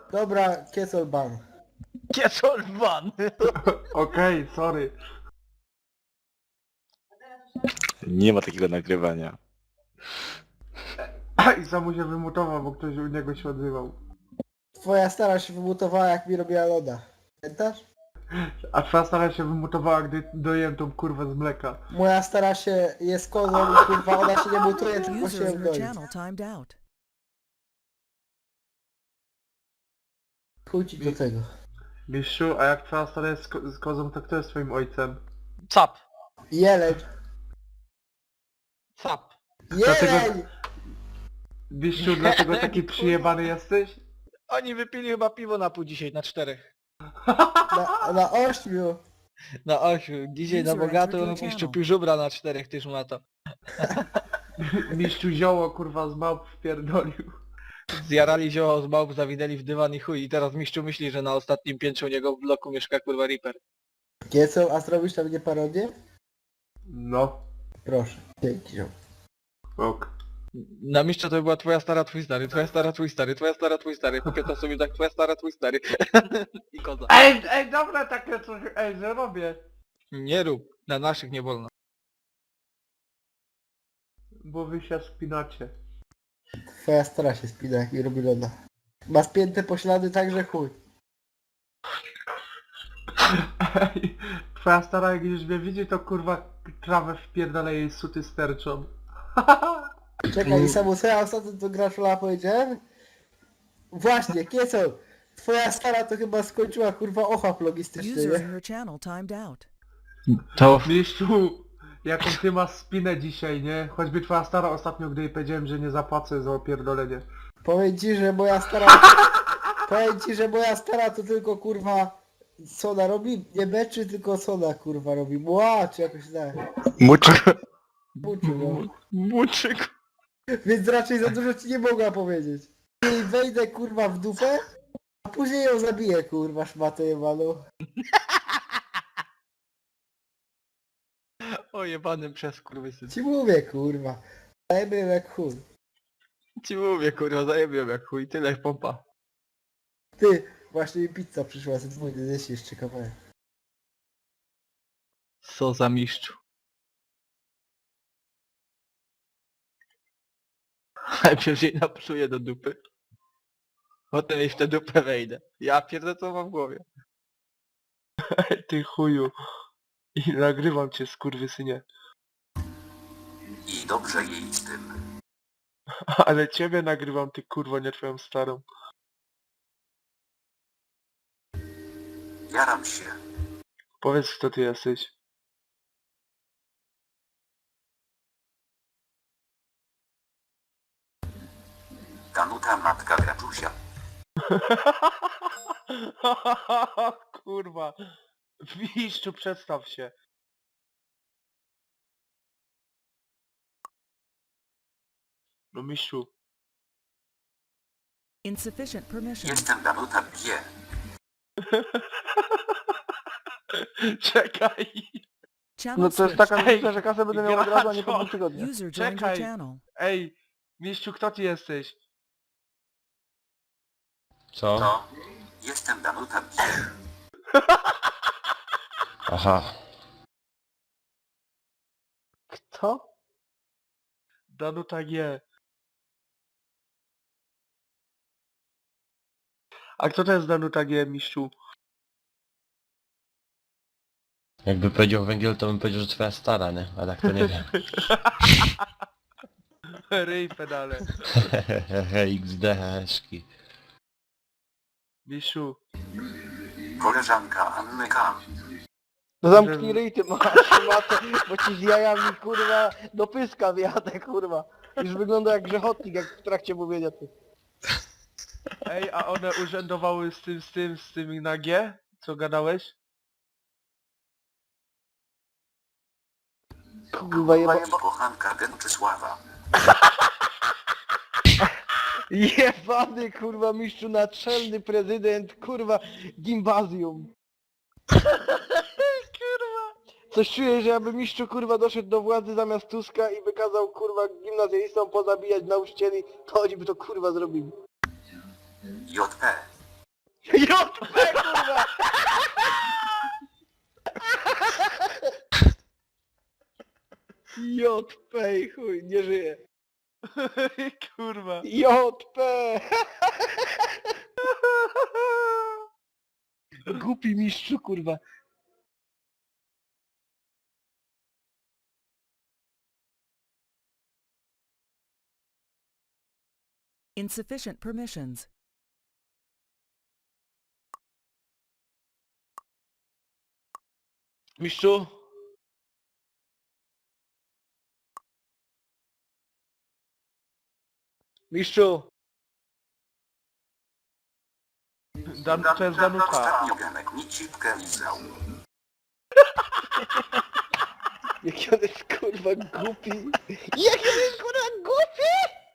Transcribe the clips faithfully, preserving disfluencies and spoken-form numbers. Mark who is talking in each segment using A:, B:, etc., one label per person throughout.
A: Dobra, Kieselban.
B: Kiesolban!
C: Okej, sorry.
D: Nie ma takiego nagrywania.
C: I sam się wymutował, bo ktoś u niego się odzywał.
A: Twoja stara się wymutowała, jak mi robiła loda. Pamiętasz?
C: A twoja stara się wymutowała, gdy dojem tą kurwę z mleka.
A: Moja stara się jest kozą i kurwa ona się nie mutuje, tylko
E: User
A: się
E: in your
A: wdoi.
E: channel timed out.
A: Chuj ci do tego.
C: Mistrzu, a jak twoja stara jest z, ko z kozą, to kto jest twoim ojcem?
B: Cap.
A: Jeleń!
B: Cap.
A: Jeleń!
C: Mistrzu, dlatego taki przyjebany jesteś?
B: Oni wypili chyba piwo na pół dzisiaj, na czterech.
A: Na, na ośmiu!
B: Na ośmiu. Dzisiaj na
E: User
B: bogato
E: entered your
B: mistrzu
E: channel.
B: pił żubra na czterech, tyż ma to.
C: Mistrzu zioło kurwa z małp wpierdolił.
B: Zjarali zioło z małp, zawinęli w dywan i chuj. I teraz mistrzu myśli, że na ostatnim piętrze u niego w bloku mieszka kurwa Reaper.
A: Kiecel, a zrobisz na mnie parodię?
C: No,
A: Proszę. Dzięki, ziom.
C: ok.
B: Na mistrza to by była twoja stara, twój stary, twoja stara, twój stary, twoja stara, twój stary. Pokieta sobie tak, twoja stara, twój stary. I koza.
C: Ej, ej, dobra takie coś, ej, że robię.
B: Nie rób. Na naszych nie wolno.
C: Bo wy się spinacie.
A: Twoja stara się spina, jak mi robi loda. Ma spięte poślady tak, że chuj.
C: Ej, twoja stara jak już mnie widzi, to kurwa trawę wpierdala jej suty sterczą.
A: Czekaj, i samo co ja ostatnio do Graszola powiedziałem? Właśnie, Kiecel! Twoja stara to chyba skończyła kurwa ochap logistyczny,
E: User in
A: nie?
E: your channel timed out.
B: To...
C: Mistrzu, jaką ty masz spinę dzisiaj, nie? Choćby twoja stara ostatnio, gdy jej powiedziałem, że nie zapłacę za opierdolenie.
A: Powiem ci, że moja stara... Powiem ci, że moja stara to tylko kurwa... Soda robi? Nie beczy, tylko soda kurwa robi. Mła, czy jakoś tak.
D: Muczyk.
A: Buciu, no.
B: Muczyk.
A: Więc raczej za dużo ci nie mogła powiedzieć. I wejdę kurwa w dupę, a później ją zabiję kurwa szmatę jebaną.
B: O jebanym przez kurwysyn.
A: Ci mówię kurwa. Dajmy jak chuj.
B: Ci mówię kurwa, zajebiam jak chuj, tyle pompa.
A: Ty, właśnie mi pizza przyszła, z dwójny zjeść jeszcze kawałek.
B: Co za mistrzu. Najpierw jej napsuję do dupy. Potem jej w tę dupę wejdę. Ja pierdolę co mam w głowie.
C: Ty chuju. I nagrywam cię, skurwysynie.
F: I dobrze jej z tym.
C: Ale ciebie nagrywam, ty kurwa, nie twoją starą.
F: Jaram się.
C: Powiedz, kto ty jesteś.
F: Danuta matka Graczusia.
C: Kurwa. Mistrzu, przedstaw się. No mistrzu.
E: Insufficient permission.
F: Jestem Danuta G.
C: Czekaj.
E: Channel
B: No to jest
E: switched.
B: taka różnica, że kasę będę miał od razu, a nie po dwóch tygodniach.
E: User joined your
C: Czekaj.
E: channel.
C: Ej, mistrzu, kto ty jesteś?
D: Co?
F: To jestem Danuta G.
D: Aha.
B: Kto?
C: Danuta G. A kto to jest Danuta G, mistrzu?
D: Jakby powiedział węgiel, to bym powiedział, że twoja stara, nie? A tak to nie wiem.
C: Ryj pedale.
D: Hehehe, X D, heszki.
C: Mistrzu.
F: Koleżanka Anny K.
B: No zamknij ryj ty masz, matę, bo ci z jajami kurwa do pyska wjadę kurwa. Już wygląda jak grzechotnik, jak w trakcie mówienia ty.
C: Ej, a one urzędowały z tym, z tym, z tym na G? Co gadałeś?
B: Kurwa jeba...
F: I kochanka Gęczysława.
B: Jebany kurwa mistrzu naczelny prezydent kurwa gimbazjum. Kurwa. Coś czuję, że jakby mistrzu kurwa doszedł do władzy zamiast Tuska i wykazał kurwa gimnazjalistom pozabijać nauczycieli, to oni by to kurwa zrobili.
F: J P.
B: J P kurwa! J P i chuj, nie żyje.
C: Kurwa.
B: J P! Głupi mistrzu kurwa.
E: Insufficient permissions.
B: Mistrzu? Mistrzu?
C: Dan, to jest Danuta.
F: Ostatnio Genek mi cipkę lizał.
B: Jaki on jest kurwa głupi. Jaki on jest kurwa głupi!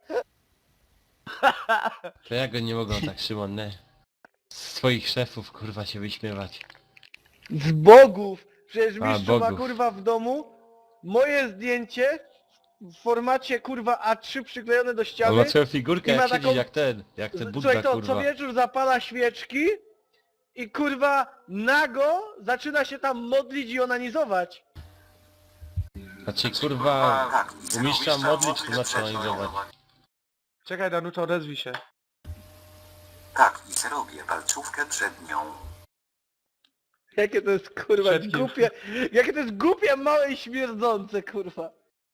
D: To ja go nie mogą tak, Szymon, nie? Z swoich szefów, kurwa, się wyśmiewać.
B: Z bogów! Przecież
D: A,
B: mistrzu ma
D: bogów.
B: kurwa w domu moje zdjęcie w formacie kurwa A trzy przyklejone do
D: On
B: ściany.
D: ma swoją figurkę,
B: I ma
D: jak siedzi,
B: taką-
D: jak ten, jak ten Budda,
B: Słuchaj to, co
D: kurwa.
B: wieczór zapala świeczki i kurwa nago zaczyna się tam modlić i onanizować.
D: Znaczy, kurwa,
F: Tak,
D: u mistrza modlić to znaczy analizować.
C: Czekaj, Danuta, odezwij się.
F: Tak, i zrobię palcówkę przed nią.
B: Jakie to jest kurwa
C: Przed kim?
B: głupie, jakie to jest głupie, małe i śmierdzące kurwa.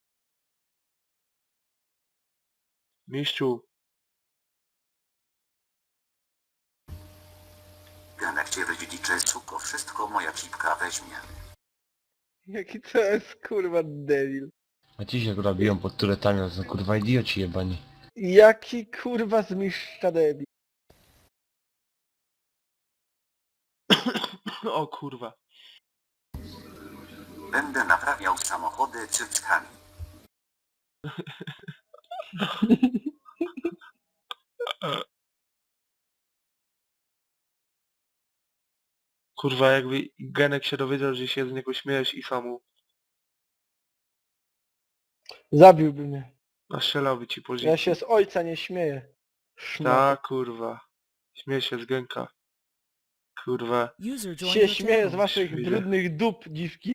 C: Mistrzu.
F: Genek cię wydziedziczy, suko, wszystko moja cipka weźmie.
B: Jaki to jest kurwa debil.
D: A ci się kurwa biją pod turetami, to są kurwa idioci jebani.
B: Jaki kurwa zmistrza debil.
C: O kurwa.
F: Będę naprawiał samochody cyckami.
C: Kurwa, jakby Genek się dowiedział, że się z niego śmiejesz i samu
B: Zabiłby mnie.
C: nastrzelałby ci po
B: Ja
C: życiu.
B: się z ojca nie śmieję. Szmat.
C: Tak, kurwa. Śmieję się z Genka. Kurwa.
E: User joined
B: Się
E: your
B: śmieję z
E: channel.
B: waszych
C: Widzę.
B: brudnych dup, dziwki.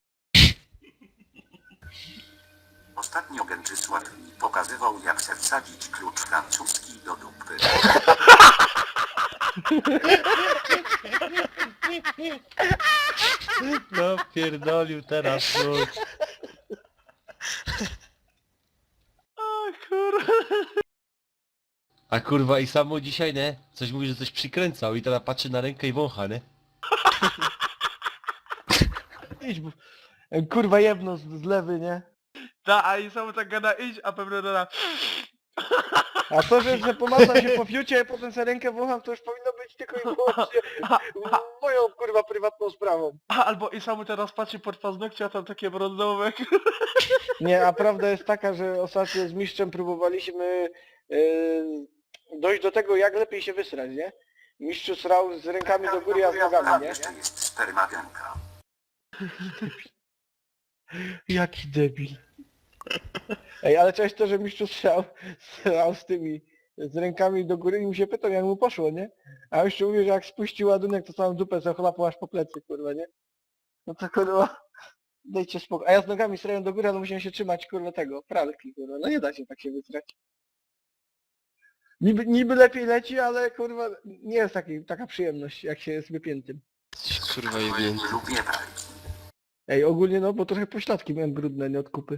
F: Ostatnio Gęczysław mi pokazywał, jak se wsadzić klucz francuski do dupy.
D: No pierdolił teraz, no.
C: O kurwa.
D: A kurwa i samo dzisiaj, nie? Coś mówi, że coś przykręcał i teraz patrzy na rękę i wącha, nie?
B: Idź, bo... Kurwa jedno z, z lewy, nie?
C: Ta, a i sam tak gada iść, a pewnie doda.
B: A to, że, że pomazam się po fiucie, a potem sobie rękę wącham, to już powinno być tylko i wyłącznie moją kurwa prywatną sprawą.
C: A, albo i sam teraz patrzy pod paznokcie, a tam takie brązowe.
B: Nie, a prawda jest taka, że ostatnio z mistrzem próbowaliśmy yy, dojść do tego, jak lepiej się wysrać, nie? Mistrz srał z rękami do góry, a z
F: Tam
B: nogami, nie?
F: jeszcze jest sperma Genka.
B: Jaki debil. Ej, ale cześć to, że mistrz srał, srał z tymi, z rękami do góry i mu się pytał, jak mu poszło, nie? A jeszcze mówi, że jak spuścił ładunek, to całą dupę zachlapał aż po plecy, kurwa, nie? No to kurwa, dajcie spokój. A ja z nogami srałem do góry, ale musiałem się trzymać, kurwa, tego, pralki, kurwa. No nie da się tak się wysrać. Niby, niby lepiej leci, ale kurwa, nie jest taki, taka przyjemność, jak się jest wypiętym.
D: Kurwa
F: Nie
D: jebnięty.
F: lubię pralki.
B: Ej, ogólnie no, bo trochę pośladki miałem brudne, nie od kupy.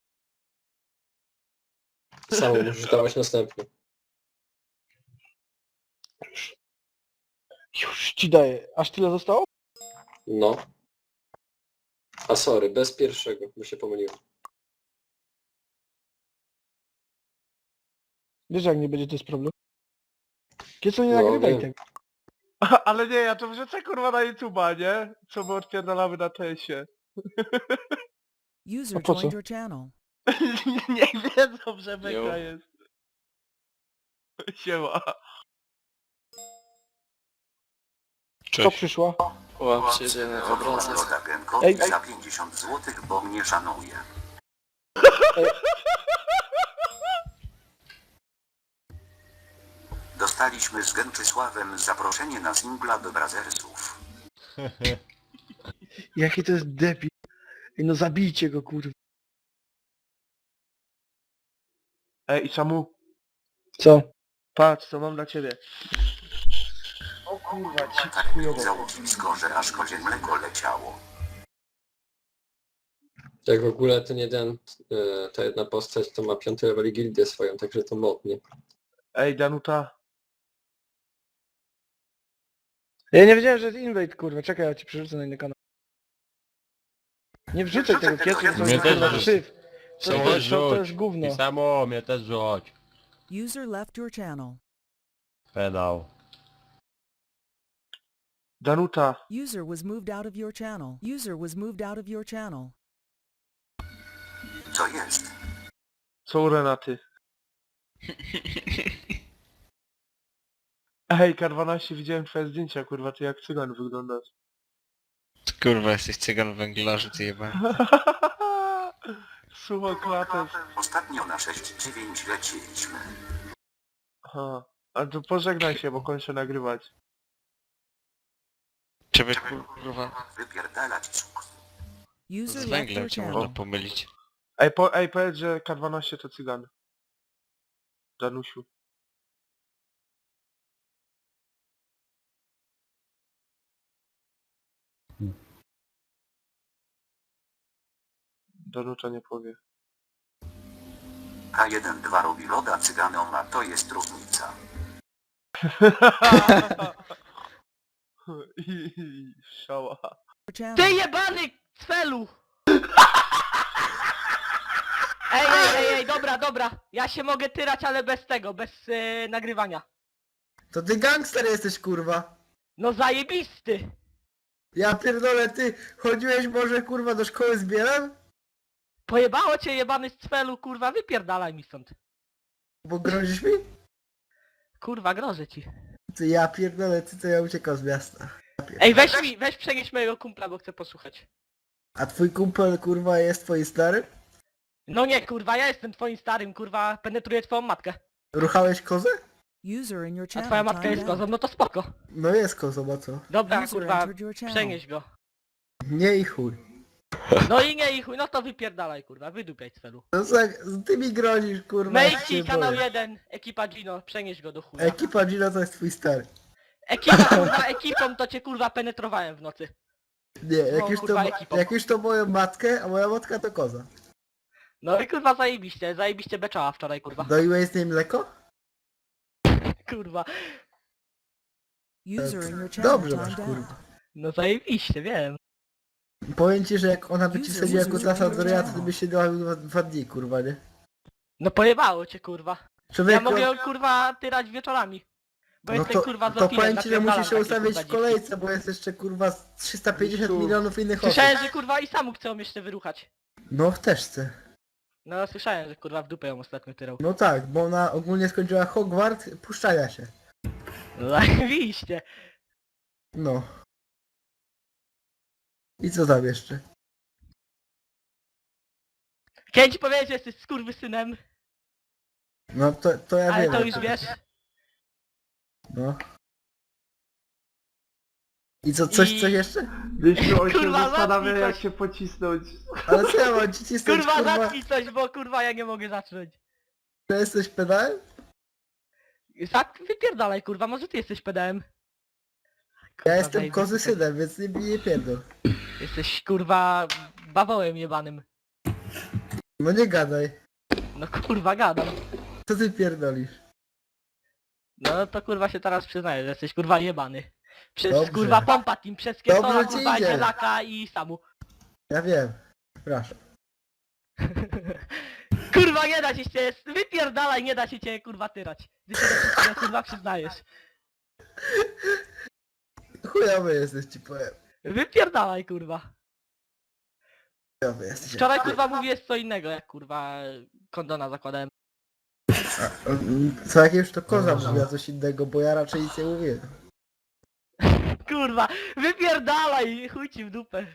G: Samo musisz dawać następny.
B: Już ci daję. Aż tyle zostało?
G: No. A sorry, bez pierwszego, bo się pomyliłem.
B: Wiesz, jak nie będzie, to jest problem. Kiedy nie
G: No,
B: nagrywaj
G: wiem.
B: tego.
C: Ale nie, ja to wrzucę kurwa na YouTube'a, nie? Co my odpierdalamy na tesie.
E: User
B: A po co?
E: joined your channel.
C: Niech wiedzą, że
D: Jo.
C: beka jest. Siema.
B: Co przyszła?
G: Łapcie jeden obrazek.
F: Loda Genkowi
B: Ej, ej.
F: za pięćdziesiąt złotych, bo mnie szanuje. Dostaliśmy z Gęczysławem zaproszenie na singla do Brazersów.
B: Jaki to jest debil. Ej, no zabijcie go, kurwa.
C: Ej, i czemu?
B: Co? Patrz, co mam dla ciebie. O kurwa, ci
F: Tak
B: chujowo.
F: blisko, że aż kozie mleko leciało.
G: Jak w ogóle ten jeden, e, ta jedna postać to ma piąty level gildię swoją, także to modnie.
C: Ej, Danuta.
B: Ja nie wiedziałem, że jest invade, kurwa. Czekaj, ja ci przerzucę na inny kanał. Nie wrzucaj tego kiecu, to
D: Mnie
B: jest
D: też
B: kurwa
D: wrzuć.
B: krzyw. To,
D: Mnie
B: to,
D: też
B: to, to jest
D: rzuć.
B: gówno.
D: I samo mnie też rzuć.
E: User left your channel.
D: Pedał.
C: Danuta.
E: User was moved out of your channel. User was moved out of your channel.
F: Co jest?
C: Co u Renaty? Ej, K dwanaście, widziałem twoje zdjęcia, kurwa, ty jak cygan wyglądasz.
H: Kurwa, jesteś cygan węglarzu, ty jeba.
C: Suchoklates.
F: Ostatnio na sześć dziewięć leciliśmy.
C: Aha. A to pożegnaj się, bo kończę nagrywać.
H: Ciebie kurwa
F: Wypierdalać cukru.
E: User
H: z
E: left
H: węglem
E: your
H: cię
E: channel.
H: można pomylić.
C: Ej, po, ej, powiedz, że K dwanaście to cygan. Danusiu. Danuta nie powie.
F: K jeden dwa robi loda cyganom, a to jest różnica.
C: I, i, szała.
E: Your channel.
I: Ty jebany cfelu! Ej, ej, ej, ej, dobra, dobra. Ja się mogę tyrać, ale bez tego, bez yy, nagrywania.
A: To ty gangster jesteś, kurwa.
I: No zajebisty!
A: Ja pierdolę, ty chodziłeś może, kurwa, do szkoły z Bielem?
I: Pojebało cię jebany z cfelu, kurwa, wypierdalaj mi stąd.
A: Bo grozisz mi?
I: Kurwa, grożę ci.
A: Ty, ja pierdolę, ty to ja uciekam z miasta. Ja pierdolę.
I: Ej, weź mi, weź przenieść mojego kumpla, bo chcę posłuchać.
A: A twój kumpel, kurwa, jest twój stary?
I: No nie, kurwa, ja jestem twoim starym, kurwa, penetruję twoją matkę.
A: Ruchałeś kozę?
E: User in your
I: A
E: channel.
I: twoja matka
E: timed
I: jest
E: out.
I: kozą, no to spoko.
A: No jest kozą, a co?
I: Dobra,
E: User
I: kurwa,
E: entered your channel.
I: przenieś go.
A: Nie i chuj.
I: No i nie, i chuj, no to wypierdalaj, kurwa, wydupiaj cfelu.
A: No tak, ty mi grozisz, kurwa. ja
I: Mejci,
A: się
I: kanał
A: boję.
I: jeden, ekipa Gino, przenieś go do chuja.
A: Ekipa Gino to jest twój stary.
I: Ekipa, kurwa, ekipą to cię, kurwa, penetrowałem w nocy.
A: Nie, jak,
I: No,
A: już, to,
I: kurwa,
A: ma-
I: ekipą.
A: jak już to moją matkę, a moja matka to koza.
I: No i kurwa zajebiście, zajebiście beczała wczoraj, kurwa.
A: Doiłeś z niej mleko?
I: Kurwa.
E: User in your channel.
A: Dobrze masz,
E: timed out.
A: kurwa.
I: No zajebiście, wiem.
A: Powiem ci, że jak ona by ci
E: User
A: wsadziła
E: was
A: kutasa
E: moved
A: do
E: to your
A: ryja, to ty
E: channel.
A: byś się dała dwa, dwa dni, kurwa, nie?
I: No pojebało cię, kurwa. Ja
A: Człowieku,
I: mogę ją, kurwa, tyrać wieczorami. Bo
A: no
I: jestem,
A: to,
I: kurwa,
A: to
I: zopilem,
A: powiem ci, że
I: napierdalam
A: musisz się
I: takie,
A: ustawić
I: kurwa,
A: w kolejce, bo jest jeszcze, kurwa, z trzysta pięćdziesiąt
C: Misiu.
A: milionów innych osób.
I: Słyszałem, że kurwa i samu chcą jeszcze wyruchać.
A: No w teczce.
I: No słyszałem, że kurwa w dupę ją ostatnio tyrał.
A: No tak, bo ona ogólnie skończyła Hogwart, puszczania się.
I: No zajebiście.
A: No. I co tam jeszcze?
I: Chciałem ci powiedzieć, że jesteś skurwysynem,
A: No to, to ja
I: ale
A: wiem.
I: to
A: jak
I: już
A: to
I: wiesz.
A: jest. No. I co, coś,
I: I-
A: coś jeszcze?
C: Wiesz, on się
I: Kurwa,
C: zastanawia
I: zamknij
C: jak
I: coś.
C: się pocisnąć.
A: Ale co ja mam ci cisnąć,
I: Kurwa,
A: kurwa,
I: zacznij coś, bo kurwa ja nie mogę zacząć.
A: że jesteś pedałem?
I: Tak, wypierdalaj, kurwa, może ty jesteś pedałem.
A: Ja
I: Kurwa,
A: jestem
I: zajebisty.
A: kozy synem, więc nie, nie pierdol.
I: Jesteś, kurwa, bawołem jebanym.
A: No nie gadaj.
I: No kurwa, gadam.
A: Co ty pierdolisz?
I: No to kurwa się teraz przyznaję, że jesteś kurwa jebany. Przez
A: Dobrze.
I: kurwa pompa team, przez Kiesola,
A: Dobrze ci
I: kurwa,
A: idzie.
I: Dzielaka i Samu.
A: Ja wiem. Przepraszam.
I: Kurwa nie da się cię, wypierdalaj, nie da się cię kurwa tyrać. Ty się do wszystkiego kurwa przyznajesz.
A: Chujowy jesteś, ci powiem.
I: Wypierdalaj kurwa.
A: Chujowy jesteś.
I: Wczoraj kurwa mówiłeś co innego, jak kurwa kondona zakładałem.
A: Co jak już to koza mówiła coś innego, bo ja raczej nic nie mówiłem.
I: Kurwa, wypierdalaj, chuj ci w dupę.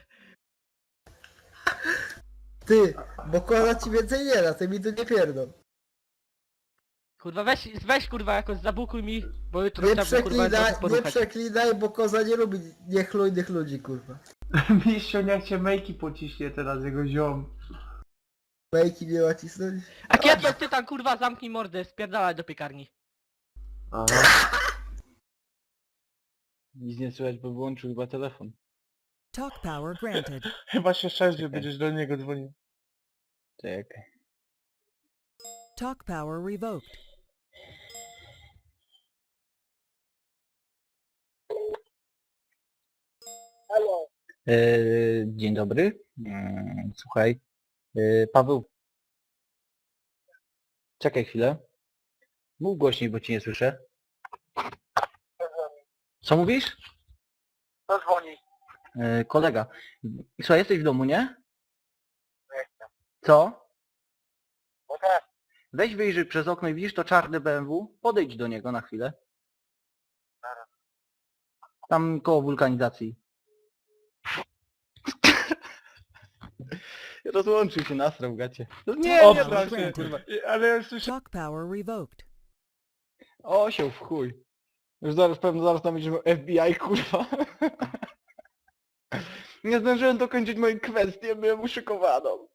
A: Ty, bo koza ci więcej nie da, ty mi tu nie pierdol.
I: Kurwa weź, weź kurwa jakoś zabukuj mi, bo jutro
A: Nie
I: trzeba kurwa
A: przeklinaj,
I: trochę
A: nie
I: poruchać.
A: przeklinaj, bo koza nie lubi niechlujnych ludzi, kurwa.
C: Mistrzu, niech cię Mejki pociśnie teraz, jego ziom.
A: Bajki nie ma cisnąć.
I: A kiedy ty tam kurwa zamknij mordę, spierdalaj do piekarni.
C: Aha.
B: Nic nie słychać, bo wyłączył chyba telefon.
E: Talk power granted.
C: Chyba się sześć, że będziesz do niego dzwonił.
B: Czekaj.
E: Talk power revoked.
B: E, dzień dobry. Mm, Słuchaj. E, Paweł. Czekaj chwilę. Mów głośniej, bo cię nie słyszę. Co mówisz?
C: To dzwoni.
B: E, kolega. Słuchaj, jesteś w domu, nie? Co?
C: No tak.
B: Weź wyjrzyj przez okno i widzisz to czarne B M W? Podejdź do niego na chwilę. Tam koło wulkanizacji. Rozłączył się, nasrał gacie. No nie,
E: O,
B: nie bram się,
E: granted.
B: kurwa.
C: Ale ja słyszę...
E: Talk power revoked.
B: Osioł w chuj. Już zaraz, pewno zaraz tam będziemy F B I, kurwa. Nie zdążyłem dokończyć mojej kwestii, byłem uszykowaną.